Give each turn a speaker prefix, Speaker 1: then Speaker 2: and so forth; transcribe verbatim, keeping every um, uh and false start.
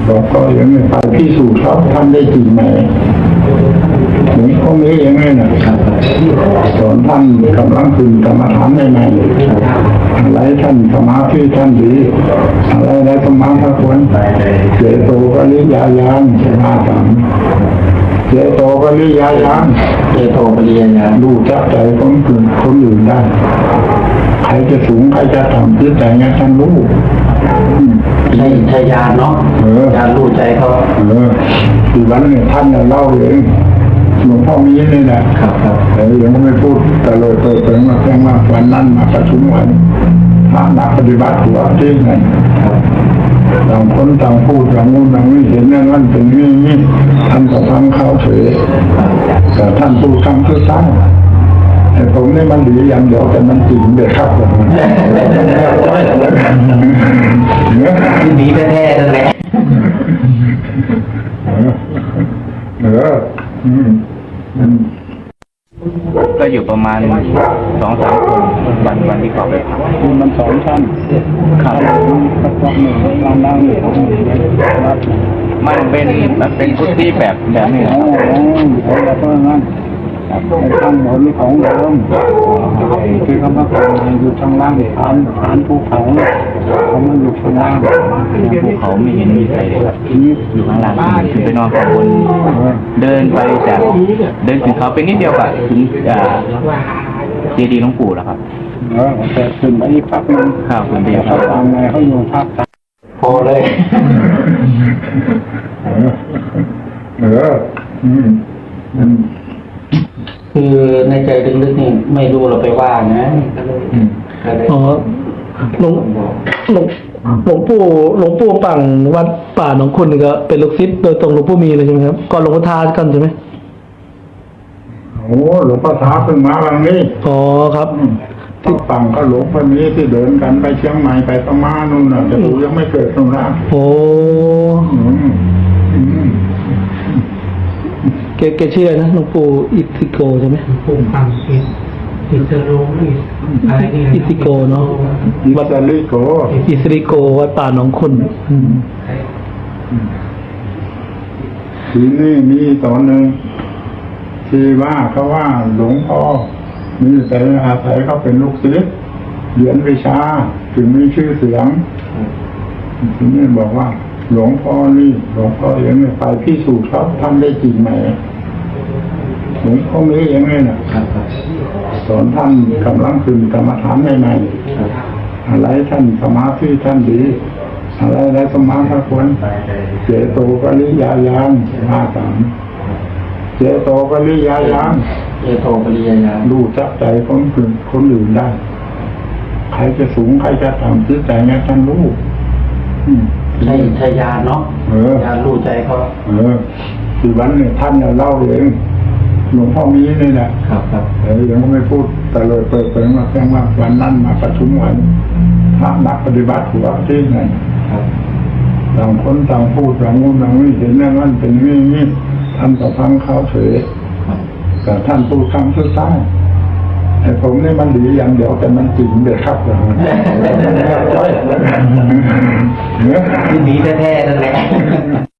Speaker 1: บอกก็ยังไม่ไปพิสูจน์ครับท่านได้จริงไหมหลวงพ่อมียังไงนะสอนท่านกำลังคืนกรรมฐานใหม่ๆอะไรท่านสมาธิท่านดีอะไรอะไรสมาธิควรเจโตปริยายานมาสามเจโตปริยายานเจโตปริยายานรู้จักใจคนอื่นคนอื่นได้ใครจะสูงใครจะต่ำจิตใจเนี่ยท่านรู้
Speaker 2: ใช่ใช่ยานเนาะยานรู้ใจเขา
Speaker 1: เออที่วันนี้ท่านเล่าเองหลวงพ่อมีนี่แหละ
Speaker 2: ครับครับ
Speaker 1: แต่ยังไม่พูดแต่เลยเปิดเผยมาแจ้งว่าวันนั้นมาประชุมวันพระนักปฏิบัติหัวที่ไหนต่างคนต่างพูดต่างงูต่างนี่เห็นนั่นนั่นเป็นนี่นี่ท่านก็ฟังเขาเฉยแต่ท่านพูดคำคือซ้ำแต่ผมนี่มันดีอย่างเดียวแต่มันจริงเด็ดครับผม
Speaker 2: ดีแท้ๆนั่นแหละ
Speaker 1: เออ
Speaker 3: ก็อยู่ประมาณสองสามคนวันวันที่เขาไปทำ
Speaker 1: คือมันสองชั้นขาดสักพักหนึ่งล่างล่างนี่
Speaker 3: มันเป็นมันเป็นพุทธิแบบแบบนี้
Speaker 1: อ๋อแล้วก็งั้นข้างบนของเดิมคือคำว่าอยู่ทางล่างฐานฐานภูเขาเขามันอยู่ข้างล่าง
Speaker 3: ภูเขาไม่เห็นมีใครเลยอยู่ข้างล่างคือไปนอนข้างบนเดินไปจากเดินถึงเขาเป็นนิดเดียวอะถึงเจดีย์หลวงปู่แล้วครับ
Speaker 1: เออแต่ขึ้นไปอีกพักนึง
Speaker 3: ข้าวขึ้นไปอีก
Speaker 1: พักทางไงเขาอยู่พัก
Speaker 2: พอเลย
Speaker 1: เอออืม
Speaker 2: คือในใจลึกๆนี่ไม่รู้เราไปว่านะ
Speaker 4: อ๋อหลวงหลวงหลวงปู่หลวงปู่ปังวัดป่าหนองคุณนี่ก็เป็นลูกศิษย์โดยตรงหลวงปู่มีเลยใช่ไหมครับก่อนหลวงพ่อทากันใช่ไหม
Speaker 1: โอ้หลวงพ่อท้าเพิ่งมาวันนี้
Speaker 4: อ๋อครับ
Speaker 1: ที่ปังก็หลวงพ่อมีที่เดินกันไปเชียงใหม่ไปประมาณนู่นน่ะแต่ดูยังไม่เกิดตรงนั้น
Speaker 4: โอ้เกเกชื่ออะไรนะหลวงปู่อิติโกใช่ไหม
Speaker 2: ปู่ปังอิอิสโรอะไรนี่
Speaker 4: อิติโกเนาะ
Speaker 1: วัดลิโก
Speaker 4: อิสริโกวัดป่าหนองคุณ
Speaker 1: ทีนี้มีตอนหนึ่งที่ว่าเขาว่าหลวงพ่อมีแต่อาศัยเขาเป็นลูกศิษย์เรียนวิชาถึงมีชื่อเสียงทีนี้บอกว่าหลวงพ่อนี่หลวงพ่อยังไม่ไปพิสูจน์ครับท่านได้จริงไหมหลวงพ่อมียังไงนะสอนท่านกำลังคืนกรรมฐานใหม่ๆอะไรท่านสมาธิท่านดีอะไรอะไรสมาธิควรเจโตปริยายานมาสามเจโตปริยายาน
Speaker 2: เจโตปริยายาน
Speaker 1: รู้จักใจคนอื่นคนอื่นได้ใครจะสูงใครจะต่ำจิตใจเนี่ยท่านรู้
Speaker 2: ใช่ใช่ยานเนาะยานรู้ใจเขา
Speaker 1: เออที่วันนี้ท่านเล่าเองหลวงพ่อมีนี่แหละ
Speaker 2: ครับครับ
Speaker 1: แต่ยังไม่พูดแต่เลยเปิดเผยมาแจ้งว่าวันนั้นมาประชุมวันพระนักปฏิบัติหัวที่ไหนต่างคนต่างพูดต่างงูต่างนี่เห็นนั่นนั่นเป็นนี่นี่ท่านก็ฟังเขาเฉยแต่ท่านพูดคำสุดท้ายแต่ผมนี่มันดีอย่างเดียวแต่มันจริงเด็ดครับเลย
Speaker 2: ดีแท้ๆนั่นแหละ